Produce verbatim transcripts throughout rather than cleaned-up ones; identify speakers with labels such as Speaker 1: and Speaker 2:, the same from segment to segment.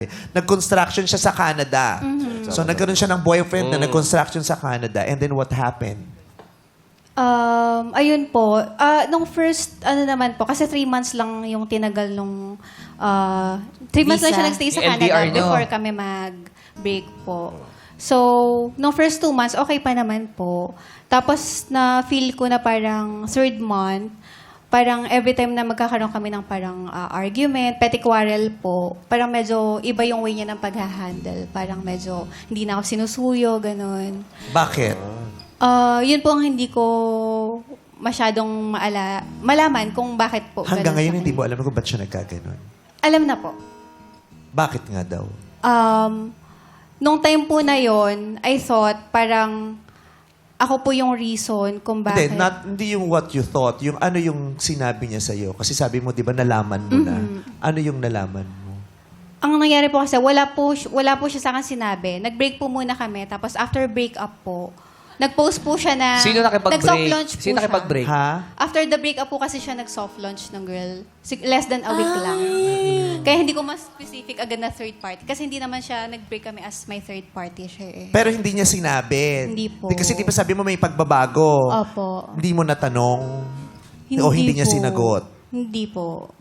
Speaker 1: Nag-construction siya sa Canada.
Speaker 2: Mm-hmm.
Speaker 1: So, nagkaroon siya ng boyfriend na nag-construction sa Canada. And then what happened?
Speaker 2: Um, ayun po. Ah, nung first, ano naman po, kasi three months lang yung tinagal nung, ah, three months lang
Speaker 3: Visa.
Speaker 2: siya nagstay sa
Speaker 4: Yung L D R
Speaker 2: Canada
Speaker 4: nyo.
Speaker 2: before kami mag-break po. So, nung first two months, okay pa naman po. Tapos, na-feel ko na parang third month, parang every time na magkakaroon kami ng parang ah, argument, petty quarrel po, parang medyo iba yung way niya ng pag-handle. Parang medyo hindi na ako sinusuyo, ganun.
Speaker 1: Bakit?
Speaker 2: Ah, yun po ang hindi ko masyadong maala malaman kung bakit po.
Speaker 1: Hanggang
Speaker 2: ganun
Speaker 1: ngayon,
Speaker 2: sa
Speaker 1: hindi
Speaker 2: kanya.
Speaker 1: mo alam kung ba't siya nagkaganon.
Speaker 2: Alam na po.
Speaker 1: Bakit nga daw?
Speaker 2: Um, nung time po na yon, I thought parang ako po yung reason kung bakit.
Speaker 1: Hindi, not, hindi yung what you thought. Yung ano yung sinabi niya sa'yo. Kasi sabi mo, di ba, nalaman mo na. Ano yung nalaman mo?
Speaker 2: Ang nangyari po kasi, wala po, si- wala po siya sa akin sinabi. Nag-break po muna kami. Tapos after break up po, nag-post po siya na...
Speaker 4: Sino nakipag-break?
Speaker 2: Nag-soft launch po
Speaker 4: Sino
Speaker 2: siya.
Speaker 4: nakipag-break?
Speaker 1: Ha?
Speaker 2: After the break up po kasi siya nag-soft launch ng girl. Sig- Less than a week lang. Kaya hindi ko mas specific agad na third party. Kasi hindi naman siya nag-break kami as my third party siya eh.
Speaker 1: Pero hindi niya sinabi.
Speaker 2: Hindi po.
Speaker 1: Di, kasi di ba sabi mo may pagbabago?
Speaker 2: Opo.
Speaker 1: Hindi mo natanong? o hindi niya
Speaker 2: po.
Speaker 1: sinagot?
Speaker 2: Hindi po.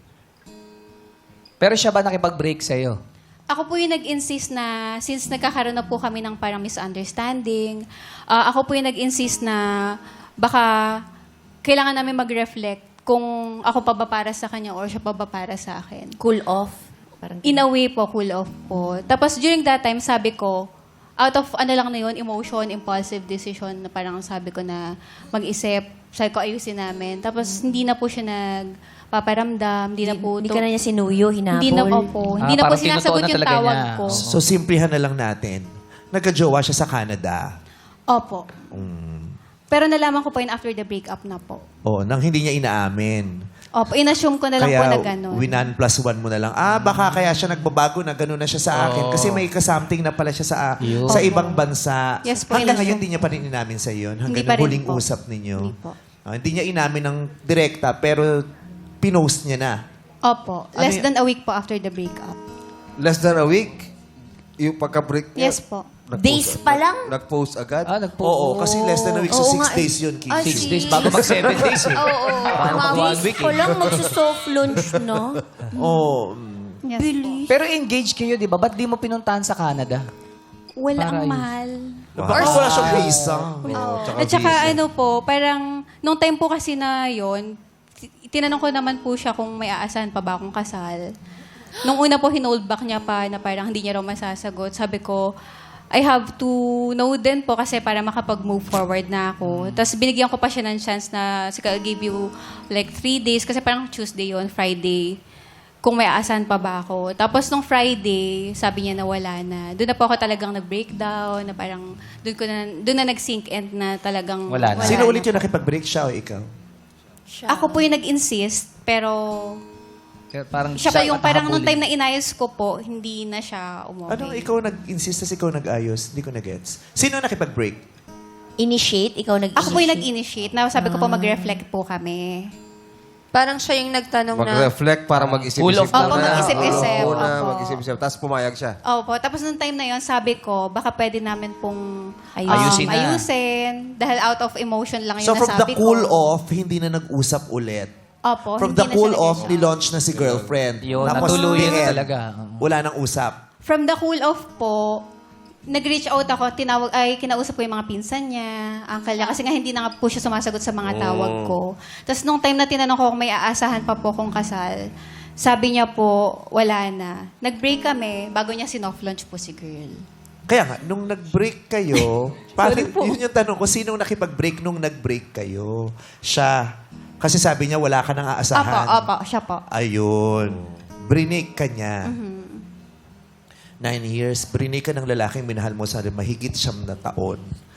Speaker 4: Pero siya ba nakipag-break sa'yo?
Speaker 2: Ako po yung nag-insist na, since nagkakaroon na po kami ng parang misunderstanding, ah, ako po yung nag-insist na baka kailangan namin mag-reflect kung ako pa ba para sa kanya or siya pa ba para sa akin.
Speaker 3: Cool off. Parang
Speaker 2: In a way po, cool off po. Tapos during that time, sabi ko, out of ano lang na yun, emotion, impulsive decision, na parang sabi ko na mag-isip, sabi ko ayusin namin. Tapos hindi na po siya nagpaparamdam, hindi na po...
Speaker 3: Hindi
Speaker 2: to-
Speaker 3: ka na niya sinuyo, hinabol.
Speaker 2: Hindi na po po. Hindi
Speaker 4: Ah,
Speaker 2: na po
Speaker 4: parang
Speaker 2: sinasagot
Speaker 4: tinutuon na
Speaker 2: yung
Speaker 4: talaga
Speaker 2: tawag
Speaker 4: niya.
Speaker 2: ko.
Speaker 1: So, simplihan na lang natin. Nagka-jowa siya sa Canada.
Speaker 2: Opo. Pero nalaman ko po yun after the breakup na po.
Speaker 1: Oh, nang hindi niya inaamin.
Speaker 2: Opo, inassume ko na lang po
Speaker 1: Kaya,
Speaker 2: na gano'n.
Speaker 1: winan plus one mo na lang. Ah, baka kaya siya nagbabago na gano'n na siya sa akin. Kasi may kasamting na pala siya sa
Speaker 4: Yun.
Speaker 1: sa
Speaker 2: Opo.
Speaker 1: ibang bansa.
Speaker 2: Yes po,
Speaker 1: Hanggang
Speaker 2: inassume.
Speaker 1: ngayon, hindi niya pa rin inamin sa yun. Hanggang
Speaker 2: Hindi pa
Speaker 1: nang
Speaker 2: rin
Speaker 1: huling
Speaker 2: po.
Speaker 1: usap ninyo.
Speaker 2: Hindi po.
Speaker 1: Ah, hindi niya inamin ng direkta, pero pinost niya na.
Speaker 2: Opo.
Speaker 1: Ano
Speaker 2: Less
Speaker 1: y-
Speaker 2: than a week po after the breakup.
Speaker 5: Less than a week? Yung pagka-break niya?
Speaker 2: Yes po.
Speaker 5: nag-post-
Speaker 3: Days pa lang?
Speaker 5: Nag-post agad?
Speaker 4: Ah, nagpo-
Speaker 1: Oo, kasi less than a week. So,
Speaker 3: Oo
Speaker 1: six
Speaker 3: nga eh.
Speaker 1: days yun, Kim.
Speaker 3: Ah,
Speaker 4: Six
Speaker 3: si-
Speaker 4: days bago mag-seven days eh.
Speaker 3: Oo, oo.
Speaker 4: Parang
Speaker 3: Mga
Speaker 4: one
Speaker 3: weeks
Speaker 4: week
Speaker 3: ko
Speaker 4: eh.
Speaker 3: lang magsa-soft launch, no?
Speaker 1: Oo. mm.
Speaker 2: Yes po.
Speaker 4: Pero engaged kayo, di ba? Ba't di mo pinuntahan sa Canada?
Speaker 2: Wala
Speaker 4: Para
Speaker 2: ang
Speaker 4: yun.
Speaker 2: mahal.
Speaker 1: Baka wala siyang visa.
Speaker 5: Oo, tsaka
Speaker 2: At saka
Speaker 5: visa.
Speaker 2: ano po, parang nung time po kasi na yon, ti- tinanong ko naman po siya kung may aasahan pa ba akong kasal. Nung una po, hinold back niya pa na parang hindi niya raw masasagot. Sabi ko, I have to know din po kasi para makapag-move forward na ako. Tapos binigyan ko pa siya ng chance na, sige, I'll give you like three days kasi parang Tuesday yon, Friday, kung may aasahan pa ba ako. Tapos nung Friday, sabi niya na wala na. Doon na po ako talagang nag-breakdown, na parang doon ko na doon na nag-sink and na talagang
Speaker 4: Wala na.
Speaker 1: Sino
Speaker 2: na.
Speaker 1: ulit yung nakipag-break, siya o ikaw?
Speaker 2: Ako po yung nag-insist, pero
Speaker 4: Kaya Parang
Speaker 2: siya po yung parang nung
Speaker 4: nakahabulin.
Speaker 2: time na inayos ko po, hindi na siya umuwi.
Speaker 1: Ano, ikaw nag-insist, tas ikaw nag-ayos? Hindi ko na-gets. Sino nakipag-break?
Speaker 3: Initiate? Ikaw nag-initiate?
Speaker 2: Ako po yung nag-initiate. Na sabi ko po mag-reflect po kami.
Speaker 6: Parang siya yung nagtanong na,
Speaker 5: Mag-reflect para mag-isip-isip.
Speaker 4: Full of-
Speaker 5: na
Speaker 2: Opo,
Speaker 5: na.
Speaker 2: mag-isip-isip.
Speaker 5: Oo, una,
Speaker 2: Opo.
Speaker 5: mag-isip-isip. Tapos pumayag siya.
Speaker 2: Opo. Tapos nung time na yon sabi ko, baka pwede namin pong um,
Speaker 4: Ayusin na.
Speaker 2: ayusin. Dahil out of emotion lang yun
Speaker 1: So, from the
Speaker 2: nasabi
Speaker 1: cool
Speaker 2: ko.
Speaker 1: off, hindi na nag-usap ulit.
Speaker 2: Opo,
Speaker 1: From
Speaker 2: hindi
Speaker 1: the
Speaker 2: na
Speaker 1: cool
Speaker 2: siya
Speaker 1: off,
Speaker 2: nag-usap.
Speaker 1: ni-launch na si girlfriend.
Speaker 4: Yun,
Speaker 1: Tapos,
Speaker 4: natuluyan na
Speaker 1: the end,
Speaker 4: talaga.
Speaker 1: Wala nang usap.
Speaker 2: From the cool off po, nag-reach out ako, tinawag, ay, kinausap ko yung mga pinsan niya, uncle niya, kasi nga hindi na nga po siya sumasagot sa mga tawag ko. Tapos nung time na tinanong ko kung may aasahan pa po kung kasal, sabi niya po, wala na. Nag-break kami, bago niya sinoff-launch po si girl.
Speaker 1: Kaya nga, nung nag-break kayo, parang,
Speaker 2: Sorry po.
Speaker 1: yun yung tanong ko, sinong nakipag-break nung nag-break kayo? Siya. Kasi sabi niya, wala ka nang
Speaker 2: Opo,
Speaker 1: aasahan.
Speaker 2: opo, siya po.
Speaker 1: Ayun. Brinig ka niya.
Speaker 2: Mm-hmm.
Speaker 1: Nine years, brinig ka ng lalaking minahal mo sa mahigit siyam na taon.